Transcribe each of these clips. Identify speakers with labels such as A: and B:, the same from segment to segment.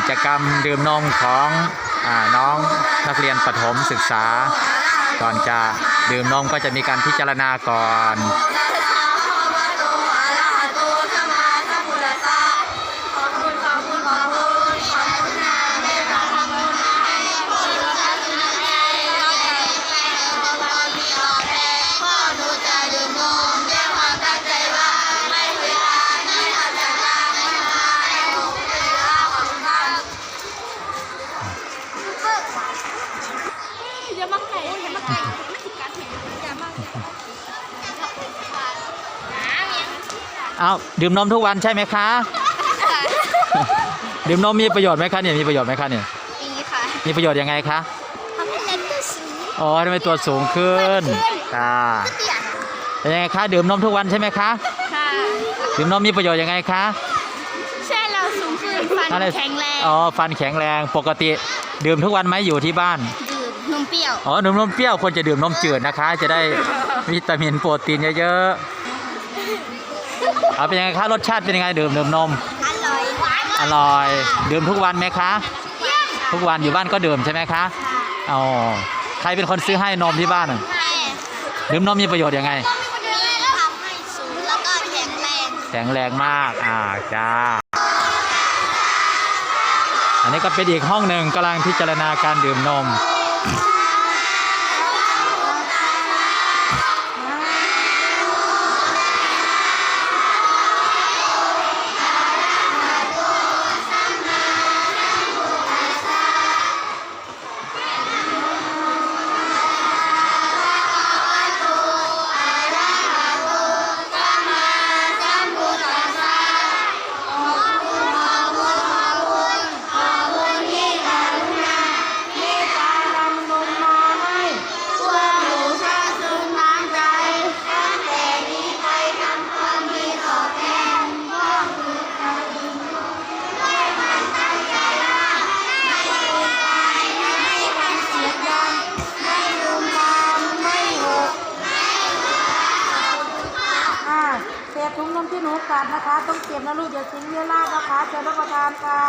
A: กิจกรรมดื่มนมของน้องนักเรียนประถมศึกษาก่อนจะดื่มนมก็จะมีการพิจารณาก่อนเอาดื่มนมทุกวันใช่ไหมคะ ดื่มนมมีประโยชน์ไหมคะเนี่ยมีประโยชน์ไหมคะเนี่ยมีค่ะมีประโยชน์ยังไงคะทำให้เล็กตัวสูงอ๋อทำให้ตัวสูงขึ้นค่ะเป็นยังไงคะดื่มนมทุกวันใช่ไหมคะค่ะดื่มนมมีประโยชน์ยังไงคะใช่เราสูงขึ้นฟันแข็งแรงอ๋อฟันแข็งแรงปกติดื่มทุกวันไหมอยู่ที่บ้านดื่มนมเปรี้ยวอ๋อดื่มนมเปรี้ยวควรจะดื่มนมจืดนะคะจะได้วิตามินโปรตีนเยอะๆเอาเป็นยังไงคะรสชาติเป็นยังไงดื่มนมอร่อยดื่มทุกวันไหมคะทุกวันอยู่บ้านก็ดื่มใช่ไหมคะอ๋อใครเป็นคนซื้อให้นมที่บ้านดื่มนมมีประโยชน์ยังไงทำให้สูงแล้วก็แข็งแรงมากจ้าอันนี้ก็เป็นอีกห้องหนึ่งกำลังพิจารณาการดื่มนม
B: ถุงนมที่หนูกัดนะคะต้องเก็บนะลูกอย่าทิ้งเยอะมากนะคะเชิญรับประทานค่ะ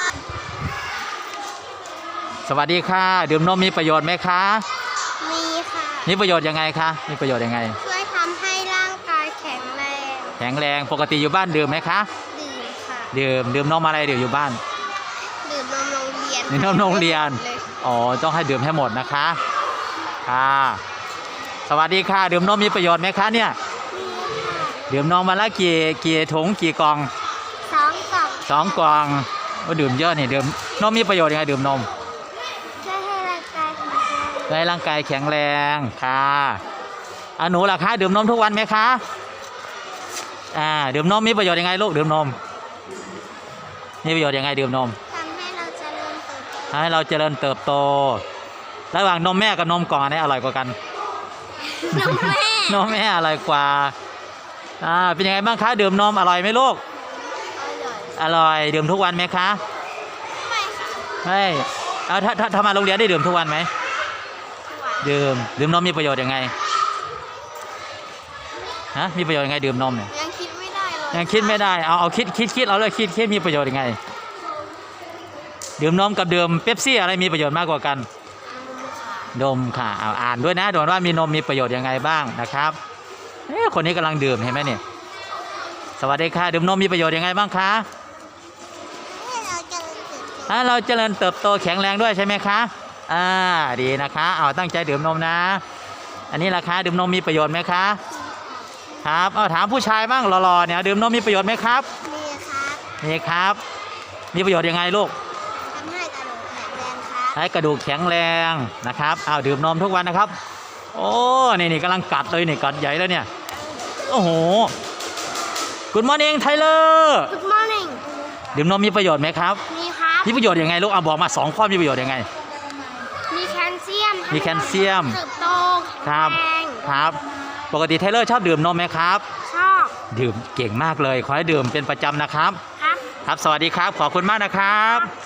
A: สวัสดีค่ะดื่มนมมีประโยชน์ไหมคะ
C: มีค่ะ
A: มีประโยชน์ยังไงคะมีประโยชน์ยังไง
C: ช่วยทำให้ร่างกายแข็ง
A: แรงปกติอยู่บ้านดื่มไหมคะ
C: ดื่มค่ะ
A: ดื่มนมอะไรดื่มอยู่บ้าน
C: ดื่มนมโรงเรียน
A: ดื่มนมโรงเรียนอ๋อต้องให้ดื่มให้หมดนะคะค่ะสวัสดีค่ะดื่มนมมีประโยชน์ไหมคะเนี่ยดื่มนมมาแล้วกี่ถุงกี่กล่อง2 กล่องก็ดื่มเยอะนี่ดื่มนมมีประโยชน์ยังไงดื่มนม
C: ช่วยให้ร่างกายแข็งแรง
A: ให้ร่างกายแข็งแรงค่ะหนูล่ะคะดื่มนมทุกวันไหมคะดื่มนมมีประโยชน์ยังไงลูกดื่มนมมีประโยชน์ยังไงดื่มนม
C: ทำให้เราเจริญเติบโต
A: ให้เราเจริญเติบโตระหว่างนมแม่กับนมกล่องอันไหนอร่อยกว่ากันนมแม่อร่อยกว่าเป็นยังไงบ้างคะดื่มนมอร่อยไหมลูกอร่อยดื่มทุกวันไหมคะ
C: ไม่ค่ะ
A: ไม่ถ้ามาโรงเรียนได้ดื่มทุกวันไหมดื่มนมมีประโยชน์ยังไงมีประโยชน์ยังไงดื่มนมเนี่ย
C: ยังคิดไม่ได้เลย
A: ยังคิดไม่ได้เอาคิดเอาเลยคิดมีประโยชน์ยังไงดื่มนมกับดื่มเป๊ปซี่อะไรมีประโยชน์มากกว่ากันนมค่ะอ่านด้วยนะดูว่ามีนมมีประโยชน์ยังไงบ้างนะครับคนนี้กำลังดื่มเห็นไหมเนี่ยสวัสดีค่ะดื่มนมมีประโยชน์ยังไงบ้างคะเราเจริญเติบโตแข็งแรงด้วยใช่ไหมคะดีนะคะตั้งใจดื่มนมนะอันนี้ราคาดื่มนมมีประโยชน์ไหมคะครับถามผู้ชายบ้างหล่อๆเนี่ยดื่มนมมีประโยชน์ไหมครับมีครับมีประโยชน์ยังไงลูก
C: ทำให้กระดูกแข็งแรงครับ
A: ให้กระดูกแข็งแรงนะครับดื่มนมทุกวันนะครับโอ้นี่กำลังกัดเลยนี่กัดใหญ่แล้วเนี่ยโอ้โห Good morning Tyler
C: Good morning
A: ดื่มนมมีประโยชน์ไหมครับ
C: มีครับ
A: มีประโยชน์ยังไงลูกบอกมา2 ข้อมีประโยชน์ยังไง
C: มีแคลเซียมเติบโต
A: ครับปกติ Tyler ชอบดื่มนมไหมครับ
C: ชอบ
A: ดื่มเก่งมากเลยขอให้ดื่มเป็นประจำนะครับครับสวัสดีครับขอบคุณมากนะครับ